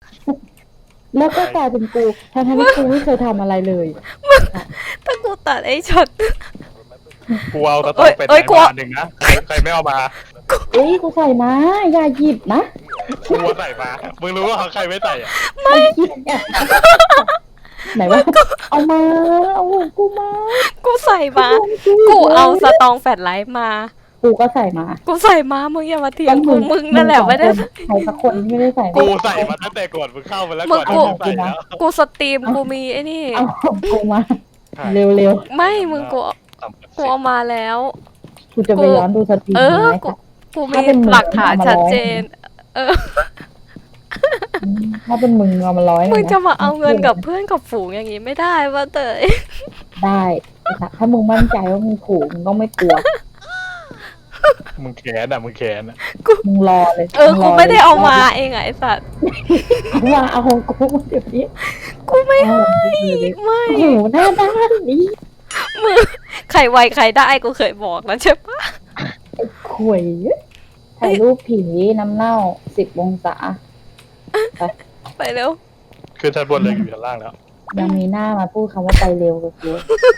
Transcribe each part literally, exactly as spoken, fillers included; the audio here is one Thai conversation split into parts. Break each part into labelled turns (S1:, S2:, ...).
S1: แล้วก็กลายเป็นกูทั้งที่กูไม่เคยทำอะไรเลย
S2: ถ้ากูตัดไอ้ช็อต
S3: กูเอาตะต
S2: เอ้
S3: อง
S2: ย
S3: เป็น
S2: เอ้ย
S3: ไหน
S2: กู
S3: มาหนึ่งนะใครใครไม่เอามา
S1: เอ้ยกูใส่มาอย่าหยิบนะ
S3: กูเอาใส่มามึงรู้ว่าเขาใครไม่ใส่อะ
S1: ไม่หยิบเนี่ยไหนวะเอามาเอาของกูมา
S2: กูใส่มา กูเอาสตองแฟลชไลท์มา
S1: กูก็ใส่มา
S2: กูใส่มามึงอย่ามาเถียงกูมึงนั่นแหละไม่ได้
S1: ใครสักคนที่ไม่ได้ใส่
S3: กูใส่มาตั้งแต่ก่อนมึงเข้ามาแล้วก่อน
S2: มึ
S3: ที่
S2: ง
S3: มึงใส่แล้ว
S2: กูสตรีมกูมีไอ้นี่
S1: เอาของกูมาเร็ว
S2: ไม่มึงกูกูเอามาแล้ว
S1: ๆกูจะไปย้อนดูสตรีม
S2: เออ
S1: ไหม
S2: กู
S1: คะ
S2: กูมีหลักฐานชัดเจน เออ
S1: ถ้าเป็นมึงเอามาร้อย
S2: มึงจะมาเอาเงินกับเพื่อนกับฝูงอย่างงี้ไม่ได้ว่าเตย
S1: ได้แต่ถ้ามึงมั่นใจว่ามึงถูกมึงต้องไม่กลัว
S3: มึงแขนอ่ะมึงแขนอ่ะ
S1: มึงรอเลย
S2: เออกูไม่ได้เอามาเองไอ้สัตว์
S1: กูว่าเอาของกูเดี๋ยวนี้
S2: กูไม่ให้ไม่
S1: โอ้โหหน้าด้านนี้
S2: มึงใครไวใครได้กูเคยบอกแล้วใช่ปะ
S1: ข่วยถ่ายรูปผีน้ำเน่าสิบองศา
S2: ไปเร็ว
S3: ขึ้นชั้นบนเลยอยู่ชั้นล่างแล้ว
S1: ยังมีหน้ามาพูดคำว่าไปเร็วกับกู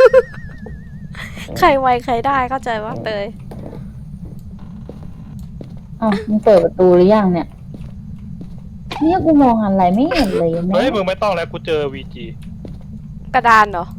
S2: ใครไวใครได้เข้าใจว่าเตย
S1: อ้าวมึงเปิดประตูหรือยังเนี่ย เนี่ยกูมองอะไรไม่เห็นเลยแม่
S3: เฮ้ยมึงไม่ต้องแล้วกูเจอวีจี
S2: กระดานเหรอ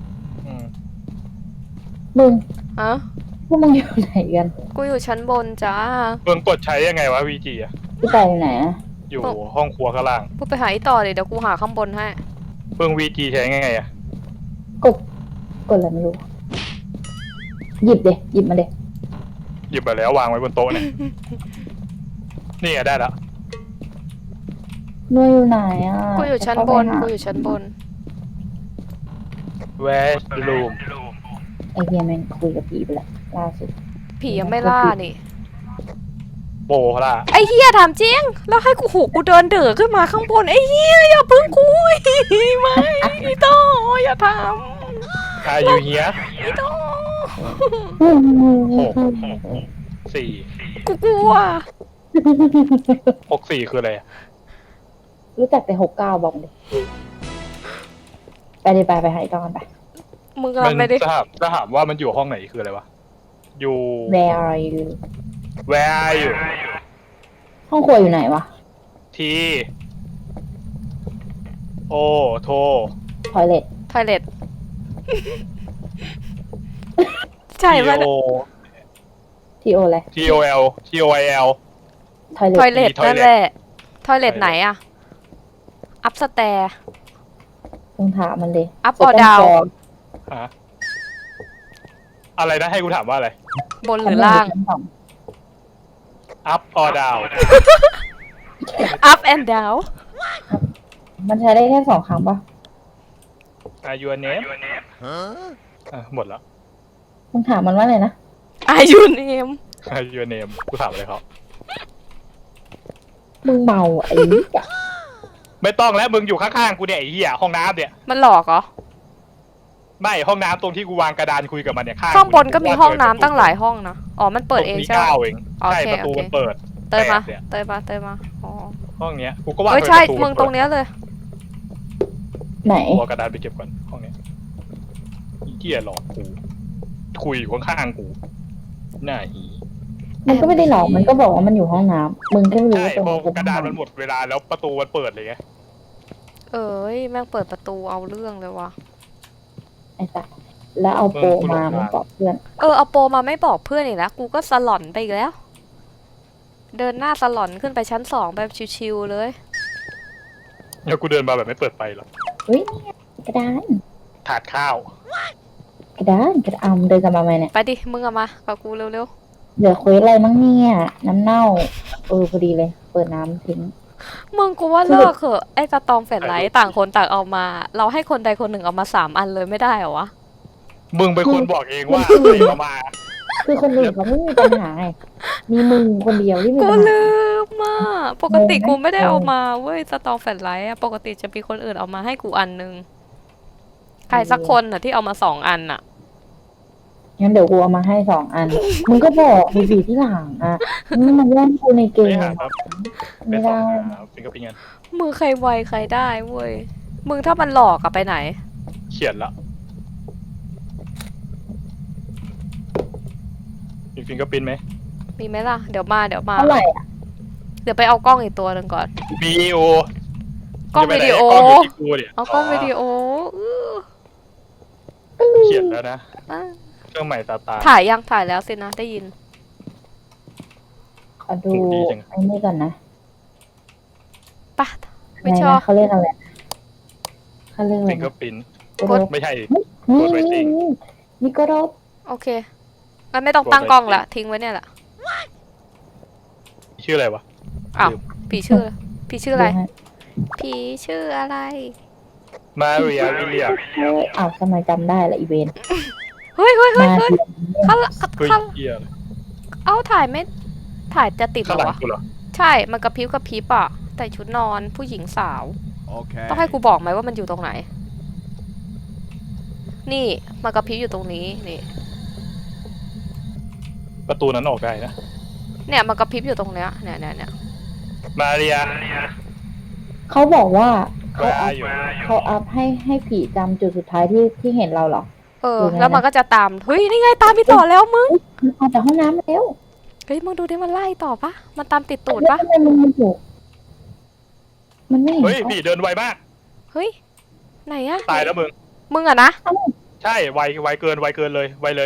S1: มึง
S2: ฮะ
S1: พวกมึงอยู่ไหนกัน
S2: กูอยู่ชั้นบนจ้า
S3: มึงกดใช้ยังไงวะวีจีอ่ะ
S1: พี่ไปอยู่ไหนอะ
S3: อยู่ห้องครัวข้างล่าง
S2: กูไปหาอีต่อเลยเดี๋ยวกูหาข้างบนให้
S3: มึงวีจีใช้ยังไงอ่ะ
S1: กดกดอะไรไม่รู้ หยิบเดหยิบมาเด
S3: หยิบมาแล้ววางไว้บนโต๊ะเนี่ย นี่ไงได้แล้ว
S1: นุ่ยอยู่ไหนอ่ะ
S2: กูอยู่ชั้นบน
S1: จะเข้า
S2: กู
S1: ไปหา
S2: อยู่ชั้นบน
S3: Where's the room
S1: ไอเฮียแม่งคุยกับผีไปแล้วล่าสุด
S2: ผียังไม่ล่านี่
S3: โบล่ะ
S2: ไอ้เฮียถามจริง แล้วให้กูหูกูเดินเดือขึ้นมาข้างบนไอ้เฮียอย่าพึ่งคุยไม่อีต่ออย่าท
S3: อายุเฮีย
S2: ำอีต่อ
S3: หกสี่
S2: กูกลัว
S3: หกสี่คืออะไรอะ
S1: รู้จักแต่หกเก้าบอกเลยไปเลยไปไปหายตอนไป
S2: มึงกำลังไม่ได้
S3: จะถามจะถามว่ามันอยู่ห้องไหนคืออะไรวะ อยู่
S1: Where are you
S3: Where are you
S1: ห้องครัวอยู่ไหนวะ
S3: T O โท
S1: ทอยเล็ต
S2: ทอยเล็ตใช่
S3: T
S2: ปะ
S3: O
S1: ทีโออะไร
S3: T O L T O I L
S1: ทอยเล็
S2: ท
S1: ต
S2: อยเล็ต
S3: มี toilet
S2: นั่นแหละทอยเล็ตไหนอะอัพสแตร์
S1: มึงถามมันเลย
S2: Up or down
S3: ฮะอะไรนะให้กูถามว่าอะไร
S2: บนหรือล่าง
S3: Up or down
S2: up and down
S1: มันใช้ได้แค่สองครั้งปะ
S3: Are you a name อ่ะหมดแล้ว
S1: มึงถามมันว่าไงนะ
S2: Are you name
S3: Are you a name กูถามอะไรเขา
S1: มึงเมาอ่ะไอ้นี่อะ
S3: ไม่ต้องแล้วมึงอยู่ข้างๆกูเนี่ยไอ้เหี้ยห้องน้ำเนี่ย
S2: มันหลอกเหรอ
S3: ไม่ห้องน้ำตรงที่กูวางกระดานคุยกับมันเนี่ยข้าง
S2: ข้างบนก็มีห้องน้ำตั้งหลายห้องนะ อ๋อ มันเปิดเอง
S3: ตรงนี้
S2: ใช่ไหม
S3: เก้าเอง
S2: โอเค
S3: ใช่ประตู
S2: โอเค
S3: มันเปิด
S2: เตยมา
S3: แปดเนี่ย
S2: เตยมา เตยมา อ๋อ
S3: ห้องเนี้ยกูก็วาง
S2: เฮ้ย
S3: ไว้
S2: ใช่
S3: ประตู
S2: มึงตรงเนี้ยเลย
S1: ไหน
S3: กูเอากระดานไปเก็บก่อนห้องเนี้ยไอ้เหี้ยหลอกกูคุยอยู่ข้างๆกูหน้าหี
S1: มันก็ไม่ได้หลอกมันก็บอกว่ามันอยู่ห้องน้ำมึงแค่ไม่รู้
S3: ใช่
S1: ว่าตรง
S3: พอ
S1: นี้เป็น
S3: กระดานมันหมดเวลาแล้วประตูมันเปิดเลยไง
S2: เอ้ย แม่งเปิดประตูเอาเรื่องเลยว่ะ
S1: ไอ้สัสแล้วเอาโปรมามันบอกเพื่อน
S2: เออ เอาโปรมาไม่บอกเพื่อนอีกแล้ว กูก็สลอนไปอีกแล้ว เดินหน้าสลอนขึ้นไปชั้นสองแบบชิวๆเลย
S3: แล้วกูเดินมาแบบไม่เปิดไฟหรอก
S1: เฮ้ยเนี่ยกระดาน
S3: ถาดข้าว
S1: กระดานกระดานเดินกลับมาไหมเนี่ย
S2: ไปดิ มึงอะมากับกูเร็ว
S1: เหลือเควสอะไรมั้งเนี่ยน้ำเน่าเออพอดีเลย เปิดน้ำทิ้ง
S2: ๆ มึงกูว่าเลิกเถอะไอ้สตอมแฟลชไลท์ต่างคนต่างเอามา เราให้คนใดคนหนึ่งเอามาสามอันเลยไม่ได้เหรอวะ
S3: มึงเป็นคนบอกเองว่าให้เอามา
S1: คือคนอื่นเขาไม่มีปัญหาไงมีมึงคนเดียวที่มี
S2: กู
S1: ปัญหา
S2: ลืมอ่ะปกติ
S1: งงไหม
S2: กูไม่ได้เอา
S1: งง
S2: มาเว้ยสตองแฟลชไลท์อะปกติจะมีคนอื่นเอามาให้กูอันนึงใครสักคนน่ะที่เอามาสองอันน่ะ
S1: งั้นเดี๋ยวกูเอามาให้สองอัน มึงก็บอกมีบีที่หลังอ่ะมึงมาแย่งกูในเก
S3: ไม่
S1: ม
S3: หาครับ
S1: ไม่
S3: ไปสอ
S1: ได้
S3: งหาฟิงเกอร์พิ้งกัน
S2: มือใครไวใครได้เว้ยมึงถ้ามันหลอกอะไปไหน
S3: เขียนละมีฟิงเกอร์พิ้นไหม
S2: มีไหมล่ะเดี๋ยวมาเดี๋ยวมา
S1: เท่าไหร่อ่ะ
S2: เดี๋ยวไปเอากล้องอีกตัวหนึ่งก่อน
S3: วีโอก
S2: ล้องวิดีโอ
S3: กล้องอยู่ที่กูเนี่ย
S2: เอากล้องวิดีโออื้อ
S3: เขียนแล้วนะ
S2: อ่ะ
S3: เครื่องใหม่ตาตา
S2: ถ่ายยังถ่ายแล้วสินะได้ยิน
S1: ขอดูไอ้นี่ก่อนนะ
S2: ปะ
S1: อะไร
S2: ไม่ชอบ
S1: นะเขาเรียกอะไรเขาเรียกอะไร
S3: ฟิงเกอ
S1: นะ
S3: ร์พิ้น
S1: กด
S3: ไม่ใช่
S1: นี่
S3: กดไว้
S1: นี่
S3: จริง
S1: นี่นี่ก็รบ
S2: โอเคงั้นไม่ต้องตั้งกล้องละทิ้งไว้เนี่ยแหละ
S3: ชื่ออะไรวะ
S2: อ้าว
S3: ลืม
S2: ผีชื่อผีชื่ออะไร
S1: ดูฮ
S2: ผีชื่ออะไร
S3: มาเรียวิลเลียม
S1: เฮ้ยอ้าวทำไมจำได้ละอีเวนต์
S2: เฮ้ยเฮ้ยเฮ้ย
S1: มา
S2: เฮ้ย
S1: เรียน
S2: ข้าง
S3: เฮ้ย
S2: ข้าง
S3: เกียเลย
S2: เอาถ่ายไม่ถ่ายจะติดเหร
S3: ข้างหลัง
S2: อวะ
S3: กูเหรอ
S2: ใช่มันกระพริบกระพริบอะแต่ชุดนอนผู้หญิงสาว
S4: Okay.
S2: ต้องให้กูบอกไหมว่ามันอยู่ตรงไหน นี่มันกระพริบอยู่ตรงนี้นี่
S3: ประตูนั้นออกได้นะ
S2: เนี่ยมันกระพริบอยู่ตรงเนี้ยเนี่ยเนี่ยเนี่ย
S3: มาเรีย
S1: เขาบอกว่าเขา
S3: ว่า
S1: อัพ
S3: อยู่
S1: เขาอัพให้ให้ผีจำจุดสุดท้ายที่ที่เห็นเราเหรอ
S2: เออ
S1: อยู่ไงนะ
S2: แล้วมันก็จะตามเฮ้ยนี่ไงตามพี่ต่อแล้วมึง
S1: มันออกจากห้องน้ำมาแล้ว
S2: เฮ้ยมึงดูดิมันไล่ต่อปะมันตามติดตูดปะ
S1: ทำไมมันมันอยู่มันไม่เห็น
S3: เฮ้ย
S1: เขา
S3: พี่เดินไวมาก
S2: เฮ้ยไหนอะ
S3: ตายแล้วมึง
S2: มึงอะนะ
S3: ใช่ไวไวเกินไวเกินเลยไวเลย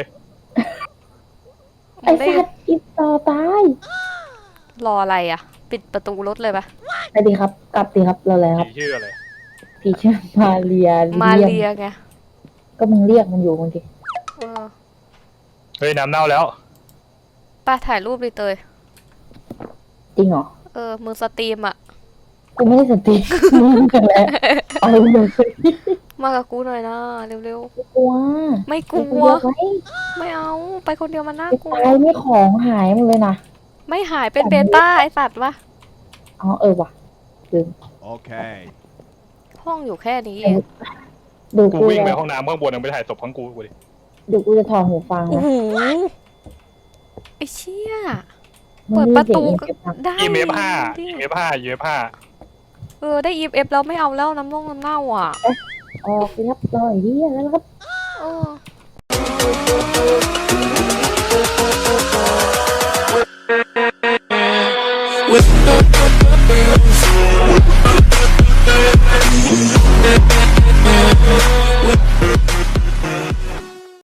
S1: ไอ้
S2: ได้
S1: สัตว์อีต่อตาย
S2: รออะไรอะปิดประตูรถเลยปะ
S1: ไปดีครับ กลับดีครับเราเลยครับ
S3: ผีชื่ออะไร
S1: ผีชื่อมาเรีย
S2: มา
S1: เรีย
S2: เรียไง
S1: ก็มึงเรียกมันอยู่บางที
S2: เออ
S3: เฮ้ยน้ำเน่าแล้ว
S2: ไปถ่ายรูปดิเตย
S1: จริงเหรอ
S2: เออมึงสตรีมอะ
S1: กูไม่ได้สติ มึงกันแหละเอาเลย
S2: มากับกูหน่อยนะเร็ว
S1: กลัว
S2: ๆไม่ก
S1: กู
S2: ลั
S1: กลั
S2: ว
S1: วไว้
S2: ไม่เอาไปคนเดียวมันน่า
S1: ไอ้
S2: กลัว
S1: ตายนี่ของหายหมดเลยนะ
S2: ไม่หายเป็นเบต้าไอสัตว์วะ
S1: อ๋อเออว่ะลืม
S4: Okay.
S2: ห้องอยู่แค่นี้เอง
S1: ดู
S3: กู
S1: กู
S3: วิ่งไป
S1: จะ
S3: ห้องน้ำข้างบนยังไปถ่ายศพข้างกูกูดิ
S1: ดูกูจะถอดหูฟัง
S2: โอ้
S1: นะ
S2: โหไอเชี่ย
S1: มึ
S2: เปิ
S1: ง
S2: ด
S1: มี
S2: ประ
S1: เสีย
S2: ตู
S1: งเอฟเฟกต์ปะ
S2: ได้
S3: อีเมฟห้า
S2: ดิ
S3: อีเมฟห้าอีเมฟห้า
S2: เออได้ อี เอฟ แล้วไม่เอาแล้วน้ำน่องน้ำเน่าอ่ะ
S1: ออกสิครับรออย่างนี้แล้วครับ
S2: เออ